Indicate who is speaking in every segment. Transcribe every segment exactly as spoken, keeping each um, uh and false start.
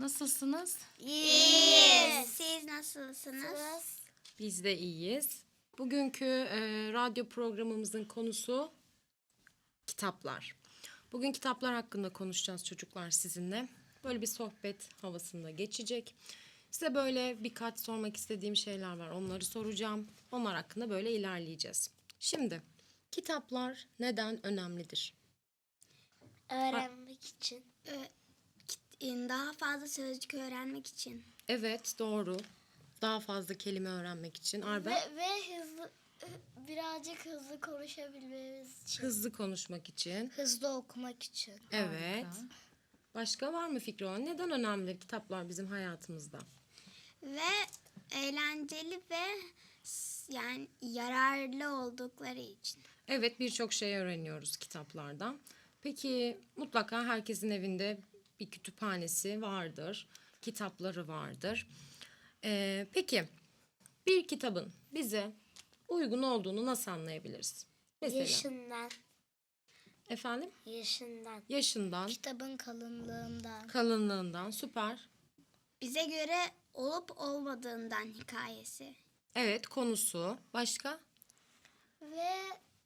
Speaker 1: Nasılsınız?
Speaker 2: İyiyiz. Siz nasılsınız?
Speaker 1: Biz de iyiyiz. Bugünkü e, radyo programımızın konusu kitaplar. Bugün kitaplar hakkında konuşacağız çocuklar sizinle. Böyle bir sohbet havasında geçecek. Size böyle birkaç sormak istediğim şeyler var. Onları soracağım. Onlar hakkında böyle ilerleyeceğiz. Şimdi kitaplar neden önemlidir?
Speaker 2: Öğrenmek için. Daha fazla sözcük öğrenmek için.
Speaker 1: Evet, doğru. Daha fazla kelime öğrenmek için. Arben?
Speaker 3: Ve, ve hızlı birazcık hızlı konuşabilmemiz için.
Speaker 1: Hızlı konuşmak için.
Speaker 3: Hızlı okumak için.
Speaker 1: Evet. Başka var mı fikri olan? Neden önemli kitaplar bizim hayatımızda?
Speaker 2: Ve eğlenceli ve s- yani yararlı oldukları için.
Speaker 1: Evet, birçok şey öğreniyoruz kitaplardan. Peki mutlaka herkesin evinde bir kütüphanesi vardır. Kitapları vardır. Ee, peki bir kitabın bize uygun olduğunu nasıl anlayabiliriz? Mesela
Speaker 3: Yaşından.
Speaker 1: efendim
Speaker 3: Yaşından.
Speaker 1: yaşından,
Speaker 3: Kitabın kalınlığından.
Speaker 1: kalınlığından, süper.
Speaker 2: Bize göre olup olmadığından hikayesi.
Speaker 1: Evet, konusu. Başka?
Speaker 3: Ve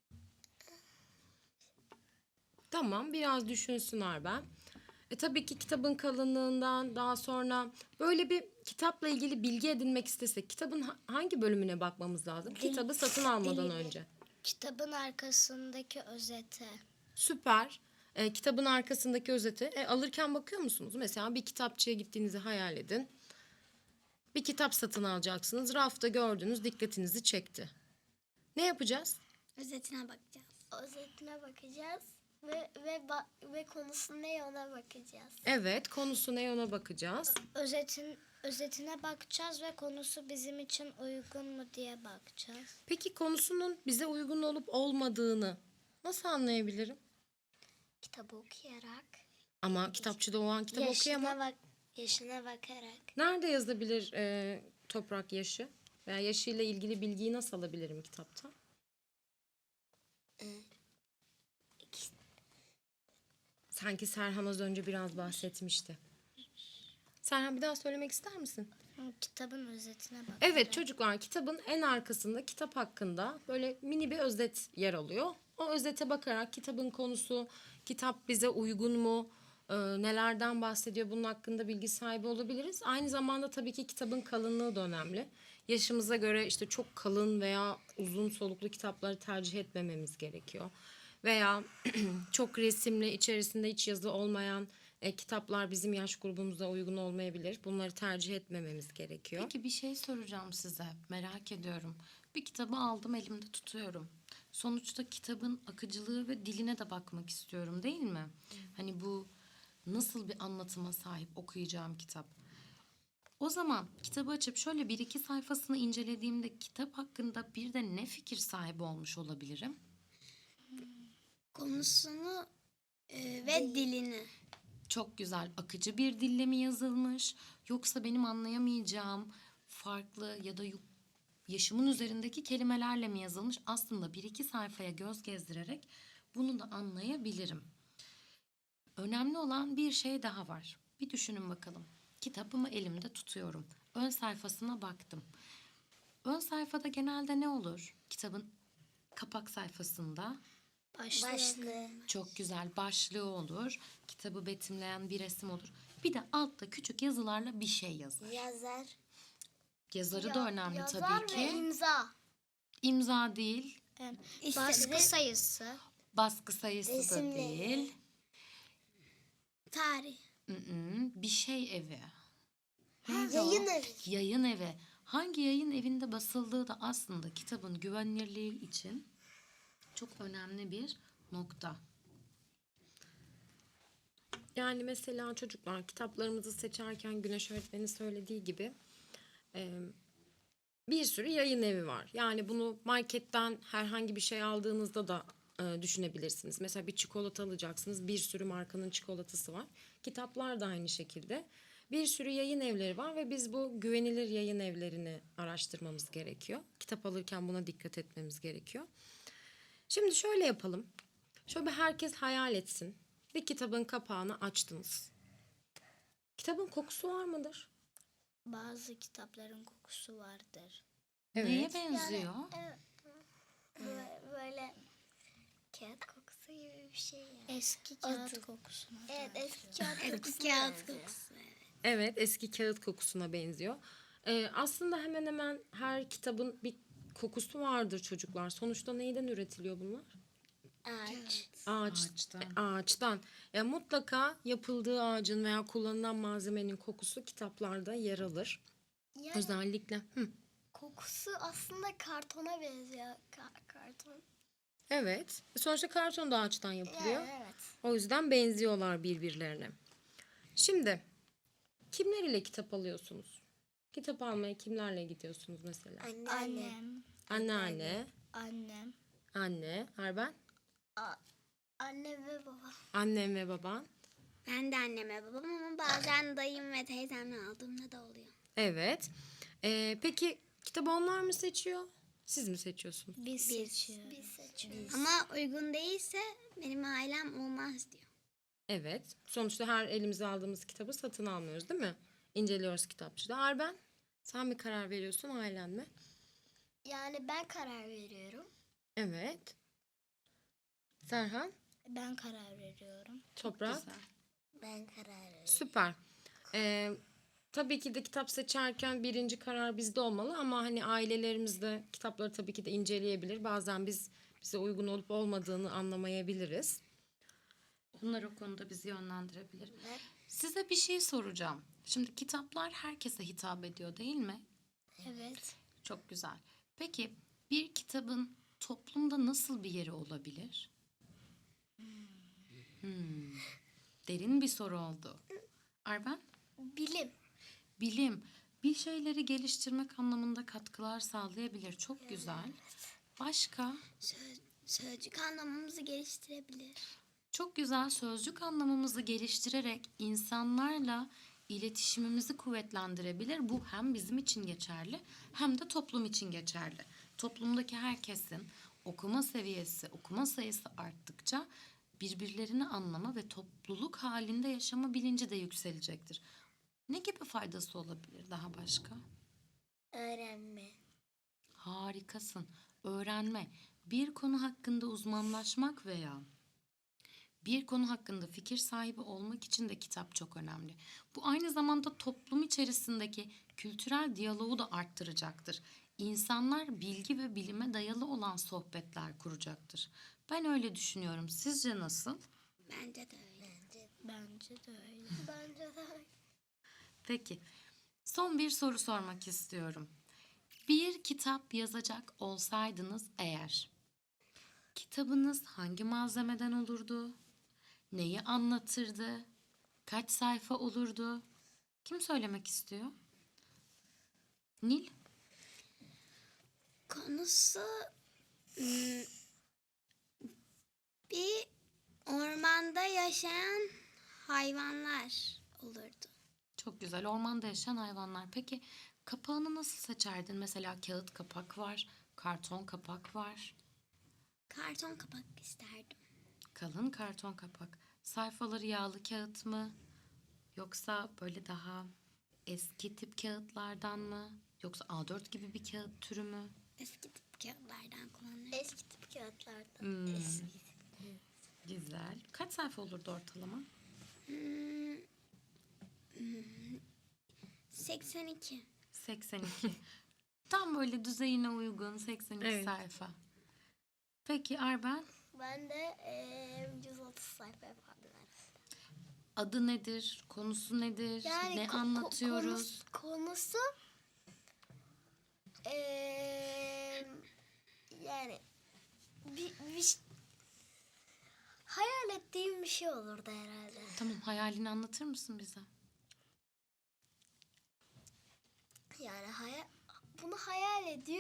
Speaker 1: Tamam, biraz düşünsün Arben. E tabii ki kitabın kalınlığından daha sonra böyle bir kitapla ilgili bilgi edinmek istesek kitabın ha- hangi bölümüne bakmamız lazım? Kitabı satın almadan
Speaker 3: Dilini.
Speaker 1: önce.
Speaker 3: kitabın arkasındaki özete.
Speaker 1: Süper. E, kitabın arkasındaki özeti. E, alırken bakıyor musunuz? Mesela bir kitapçıya gittiğinizi hayal edin. Bir kitap satın alacaksınız. Rafta gördünüz, dikkatinizi çekti. Ne yapacağız?
Speaker 2: Özetine bakacağız.
Speaker 3: Özetine bakacağız. Ve ve ba- ve konusu ne ona bakacağız.
Speaker 1: Evet, konusu ne ona bakacağız.
Speaker 3: Özetin özetine bakacağız ve konusu bizim için uygun mu diye bakacağız.
Speaker 1: Peki konusunun bize uygun olup olmadığını nasıl anlayabilirim?
Speaker 3: Kitabı okuyarak.
Speaker 1: Ama kitapçıda o an kitap okuyamam.
Speaker 3: bak yaşına bakarak.
Speaker 1: Nerede yazabilir e, toprak yaşı? Veya yaşıyla ilgili bilgiyi nasıl alabilirim kitapta? Sanki Serhan az önce biraz bahsetmişti. Serhan bir daha söylemek ister misin?
Speaker 3: Kitabın özetine bak.
Speaker 1: Evet çocuklar, kitabın en arkasında kitap hakkında böyle mini bir özet yer alıyor. O özete bakarak kitabın konusu, kitap bize uygun mu, e, nelerden bahsediyor bunun hakkında bilgi sahibi olabiliriz. Aynı zamanda tabii ki kitabın kalınlığı da önemli. Yaşımıza göre işte çok kalın veya uzun soluklu kitapları tercih etmememiz gerekiyor. Veya çok resimli, içerisinde hiç yazı olmayan e, kitaplar bizim yaş grubumuza uygun olmayabilir. Bunları tercih etmememiz gerekiyor.
Speaker 4: Peki bir şey soracağım size. Merak ediyorum. Bir kitabı aldım elimde tutuyorum. Sonuçta kitabın akıcılığı ve diline de bakmak istiyorum değil mi? Hani bu nasıl bir anlatıma sahip okuyacağım kitap. O zaman kitabı açıp şöyle bir iki sayfasını incelediğimde kitap hakkında bir de ne fikir sahibi olmuş olabilirim?
Speaker 2: Konusunu e, ve dilini.
Speaker 4: Çok güzel, akıcı bir dille mi yazılmış yoksa benim anlayamayacağım farklı ya da yu- yaşımın üzerindeki kelimelerle mi yazılmış? Aslında bir iki sayfaya göz gezdirerek bunu da anlayabilirim. Önemli olan bir şey daha var. Bir düşünün bakalım. Kitabımı elimde tutuyorum. Ön sayfasına baktım. Ön sayfada genelde ne olur? Kitabın kapak sayfasında
Speaker 3: Başlığı.
Speaker 4: çok güzel başlığı olur. Kitabı betimleyen bir resim olur. Bir de altta küçük yazılarla bir şey yazar.
Speaker 3: Yazar.
Speaker 4: Yazarı da önemli
Speaker 3: Yazar
Speaker 4: tabii
Speaker 3: ve
Speaker 4: ki.
Speaker 3: imza.
Speaker 4: İmza değil,
Speaker 2: İşte
Speaker 3: Baskı
Speaker 2: re-
Speaker 3: sayısı.
Speaker 4: baskı sayısı da
Speaker 3: Resimleri.
Speaker 4: değil.
Speaker 2: tarih.
Speaker 4: Mm-mm, bir şey evi.
Speaker 3: Yayın evi.
Speaker 4: Yayın evi. Hangi yayın evinde basıldığı da aslında kitabın güvenilirliği için çok önemli bir nokta.
Speaker 1: Yani mesela çocuklar kitaplarımızı seçerken Güneş öğretmenin söylediği gibi e, bir sürü yayın evi var. Yani bunu marketten herhangi bir şey aldığınızda da e, düşünebilirsiniz. Mesela bir çikolata alacaksınız. Bir sürü markanın çikolatası var. Kitaplar da aynı şekilde. Bir sürü yayın evleri var ve biz bu güvenilir yayın evlerini araştırmamız gerekiyor. Kitap alırken buna dikkat etmemiz gerekiyor. Şimdi şöyle yapalım. Şöyle bir herkes hayal etsin. Bir kitabın kapağını açtınız. Kitabın kokusu var mıdır?
Speaker 3: Bazı kitapların kokusu vardır.
Speaker 4: Neye benziyor?
Speaker 2: Evet. Böyle, böyle kağıt kokusu gibi bir şey yani.
Speaker 3: Eski kağıt kokusuna.
Speaker 2: Evet,
Speaker 3: benziyor.
Speaker 2: eski kağıt
Speaker 1: Eski
Speaker 2: kokusuna
Speaker 1: kağıt
Speaker 2: benziyor.
Speaker 1: Evet, eski kağıt kokusuna benziyor. Ee, aslında hemen hemen her kitabın bir kokusu vardır çocuklar. Sonuçta neyden üretiliyor bunlar?
Speaker 2: Ağaç.
Speaker 1: Ağaç,
Speaker 4: Ağaçtan.
Speaker 1: e, ağaçtan. Ya mutlaka yapıldığı ağacın veya kullanılan malzemenin kokusu kitaplarda yer alır.
Speaker 2: Yani
Speaker 1: Özellikle. Hı.
Speaker 2: kokusu aslında kartona benziyor. Ka- karton.
Speaker 1: Evet. Sonuçta karton da ağaçtan yapılıyor.
Speaker 2: Yani evet.
Speaker 1: O yüzden benziyorlar birbirlerine. Şimdi kimler ile kitap alıyorsunuz? Kitap almaya kimlerle gidiyorsunuz mesela?
Speaker 2: Annem.
Speaker 1: Anneanne,
Speaker 3: Annem.
Speaker 1: anne, Arben,
Speaker 2: Anne ve baba.
Speaker 1: annem ve baban.
Speaker 2: Ben de anneme babam ama bazen dayım ve teyzemle aldığımda da oluyor.
Speaker 1: Evet. Ee, peki kitabı onlar mı seçiyor? Siz mi seçiyorsunuz?
Speaker 3: Biz seçiyoruz.
Speaker 2: Biz seçiyoruz. Ama uygun değilse benim ailem olmaz diyor.
Speaker 1: Evet. Sonuçta her elimize aldığımız kitabı satın almıyoruz, değil mi? İnceliyoruz kitapçıda. Arben, sen mi karar veriyorsun, ailen mi?
Speaker 2: Yani ben karar veriyorum.
Speaker 1: Evet. Serhan,
Speaker 3: Ben karar veriyorum.
Speaker 1: Toprak.
Speaker 4: Güzel.
Speaker 2: Ben karar veriyorum.
Speaker 1: Süper. Ee, tabii ki de kitap seçerken birinci karar bizde olmalı ama hani ailelerimiz de kitapları tabii ki de inceleyebilir. Bazen biz bize uygun olup olmadığını anlamayabiliriz.
Speaker 4: Onlar o konuda bizi yönlendirebilir. Size bir şey soracağım. Şimdi kitaplar herkese hitap ediyor değil mi?
Speaker 3: Evet.
Speaker 4: Çok güzel. Peki bir kitabın toplumda nasıl bir yeri olabilir? Hmm. Derin bir soru oldu. Arben?
Speaker 2: Bilim.
Speaker 4: Bilim. Bir şeyleri geliştirmek anlamında katkılar sağlayabilir. Çok güzel. Başka?
Speaker 2: Söz, sözcük anlamamızı geliştirebilir.
Speaker 4: Çok güzel, sözcük anlamımızı geliştirerek insanlarla iletişimimizi kuvvetlendirebilir. Bu hem bizim için geçerli hem de toplum için geçerli. Toplumdaki herkesin okuma seviyesi, okuma sayısı arttıkça birbirlerini anlama ve topluluk halinde yaşama bilinci de yükselecektir. Ne gibi faydası olabilir daha başka?
Speaker 2: Öğrenme.
Speaker 4: Harikasın. Öğrenme, bir konu hakkında uzmanlaşmak veya bir konu hakkında fikir sahibi olmak için de kitap çok önemli. Bu aynı zamanda toplum içerisindeki kültürel diyaloğu da arttıracaktır. İnsanlar bilgi ve bilime dayalı olan sohbetler kuracaktır. Ben öyle düşünüyorum. Sizce nasıl?
Speaker 2: Bence de öyle. Bence,
Speaker 3: Bence de öyle.
Speaker 2: bence de öyle.
Speaker 4: Peki, son bir soru sormak istiyorum. Bir kitap yazacak olsaydınız eğer, kitabınız hangi malzemeden olurdu? Neyi anlatırdı? Kaç sayfa olurdu? Kim söylemek istiyor? Nil?
Speaker 2: Konusu hmm, bir ormanda yaşayan hayvanlar olurdu.
Speaker 4: Çok güzel. Ormanda yaşayan hayvanlar. Peki kapağını nasıl seçerdin? Mesela kağıt kapak var, karton kapak var.
Speaker 2: Karton kapak isterdim.
Speaker 4: Kalın karton kapak. Sayfaları yağlı kağıt mı? Yoksa böyle daha eski tip kağıtlardan mı? Yoksa A dört gibi bir kağıt türü mü?
Speaker 2: Eski tip kağıtlardan kullanırdım. Eski tip kağıtlardan.
Speaker 4: Hmm. Güzel. Kaç sayfa olurdu ortalama?
Speaker 2: Hmm, hmm, seksen iki.
Speaker 4: seksen iki. Tam böyle düzeyine uygun seksen iki
Speaker 1: Evet.
Speaker 4: sayfa. Peki Arben,
Speaker 2: Ben de eee yüz otuz sayfa yapardım.
Speaker 4: adı nedir? Konusu nedir? ne
Speaker 2: ko- ko-
Speaker 4: anlatıyoruz?
Speaker 2: Konusu, konusu eee, yani bir, bir hayal ettiğim bir şey olurdu herhalde.
Speaker 4: Tamam, hayalini anlatır mısın bize?
Speaker 2: Yani hayal, bunu hayal ediyor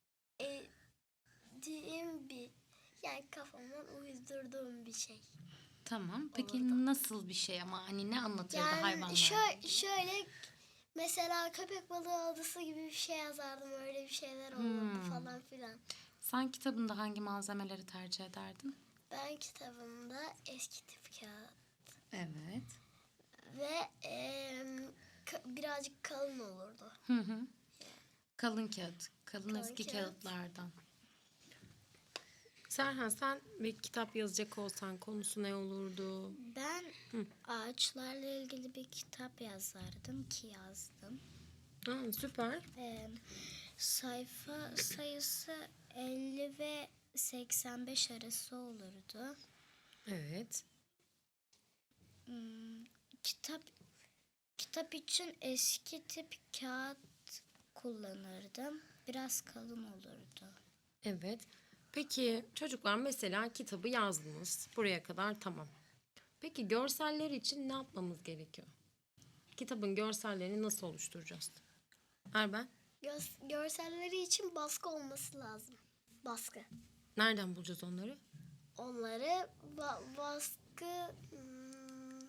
Speaker 2: ettiğim bir, yani kafamdan uydurduğum bir şey.
Speaker 4: Tamam. Peki nasıl bir şey ama hani ne anlatırdı
Speaker 2: Yani
Speaker 4: hayvanlar?
Speaker 2: şöyle, şöyle mesela köpek balığı adası gibi bir şey yazardım, öyle bir şeyler olurdu
Speaker 4: Hmm.
Speaker 2: falan filan.
Speaker 4: Sen kitabında hangi malzemeleri tercih ederdin?
Speaker 2: Ben kitabımda eski tip kağıt
Speaker 4: Evet.
Speaker 2: ve em, ka- birazcık kalın olurdu.
Speaker 4: Hı hı. Kalın kağıt. Kalın,
Speaker 2: Kalın
Speaker 4: eski
Speaker 2: kağıt.
Speaker 4: kağıtlardan.
Speaker 1: Serhan, sen bir kitap yazacak olsan konusu ne olurdu?
Speaker 3: Ben ağaçlarla ilgili bir kitap yazardım ki yazdım.
Speaker 1: Ha, süper.
Speaker 3: Ee, sayfa sayısı elli ve seksen beş arası olurdu.
Speaker 1: Evet.
Speaker 3: Kitap kitap için eski tip kağıt kullanırdım. Biraz kalın olurdu.
Speaker 1: Evet. Peki çocuklar, mesela kitabı yazdınız. Buraya kadar tamam. Peki görseller için ne yapmamız gerekiyor? Kitabın görsellerini nasıl oluşturacağız? Erben,
Speaker 2: Göz- görselleri için baskı olması lazım. Baskı.
Speaker 1: nereden bulacağız onları?
Speaker 2: Onları ba- baskı hmm,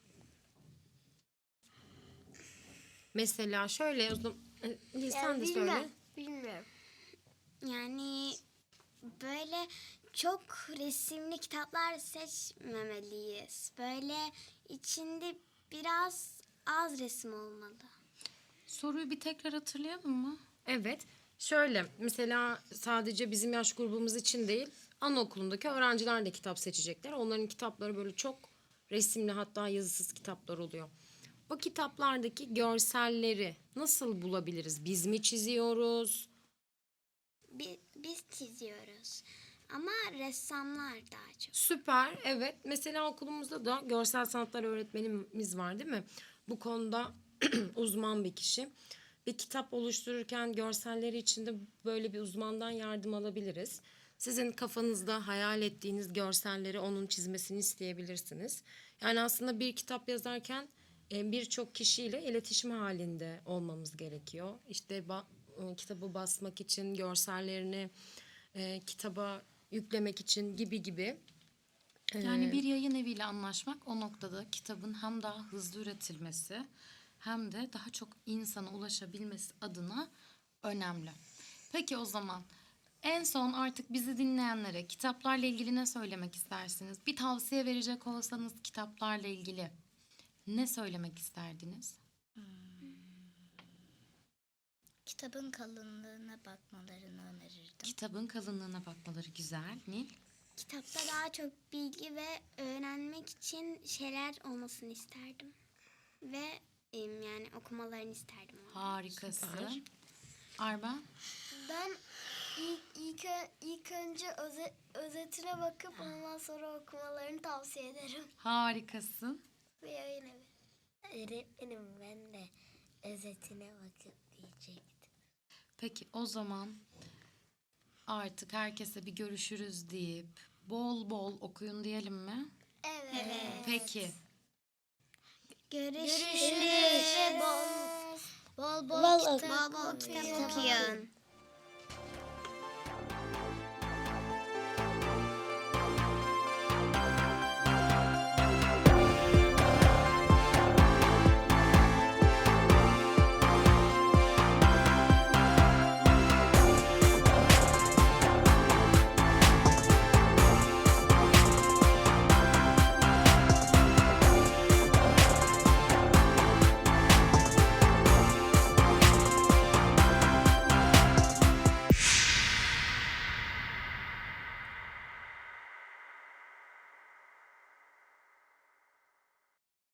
Speaker 1: Mesela şöyle o zaman, e, Nil, sen
Speaker 2: yani
Speaker 1: de
Speaker 2: bilmem,
Speaker 1: söyle.
Speaker 2: Bilmiyorum.
Speaker 5: Yani böyle çok resimli kitaplar seçmemeliyiz. Böyle içinde biraz az resim olmalı.
Speaker 4: Soruyu bir tekrar hatırlayalım mı?
Speaker 1: Evet. Şöyle mesela sadece bizim yaş grubumuz için değil, anaokulundaki öğrenciler de kitap seçecekler. Onların kitapları böyle çok resimli, hatta yazısız kitaplar oluyor. O kitaplardaki görselleri nasıl bulabiliriz? Biz mi çiziyoruz?
Speaker 5: Bi- Biz çiziyoruz. Ama ressamlar daha çok.
Speaker 1: Süper. Evet. Mesela okulumuzda da görsel sanatlar öğretmenimiz var, değil mi? Bu konuda uzman bir kişi. Bir kitap oluştururken görselleri için de böyle bir uzmandan yardım alabiliriz. Sizin kafanızda hayal ettiğiniz görselleri onun çizmesini isteyebilirsiniz. Yani aslında bir kitap yazarken e, birçok kişiyle iletişim halinde olmamız gerekiyor. İşte ba- e, kitabı basmak için görsellerini e, kitaba yüklemek için gibi gibi.
Speaker 4: Yani bir yayın eviyle anlaşmak o noktada kitabın hem daha hızlı üretilmesi hem de daha çok insana ulaşabilmesi adına önemli. Peki o zaman en son artık bizi dinleyenlere kitaplarla ilgili ne söylemek istersiniz? Bir tavsiye verecek olsanız kitaplarla ilgili ne söylemek isterdiniz?
Speaker 3: Kitabın kalınlığına bakmalarını önerirdim.
Speaker 4: Kitabın kalınlığına bakmaları güzel. Nil?
Speaker 5: Kitapta daha çok bilgi ve öğrenmek için şeyler olmasını isterdim. Ve em, yani okumalarını isterdim. onu.
Speaker 4: Harikasın. Arben?
Speaker 2: Ben ilk, ilk, ö- ilk önce öze- özetine bakıp ondan sonra okumalarını tavsiye ederim.
Speaker 4: Harikasın.
Speaker 2: Ve yayın evi.
Speaker 3: Öğretmenim ben de özetine bakıp diyecektim.
Speaker 4: Peki o zaman artık herkese bir görüşürüz deyip bol bol okuyun diyelim mi?
Speaker 2: Evet.
Speaker 4: Peki.
Speaker 5: Görüşürüz.
Speaker 2: Bol
Speaker 3: Bol bol,
Speaker 5: Bol,
Speaker 3: kitap
Speaker 5: bol, bol kitap
Speaker 3: okuyun.
Speaker 5: okuyun.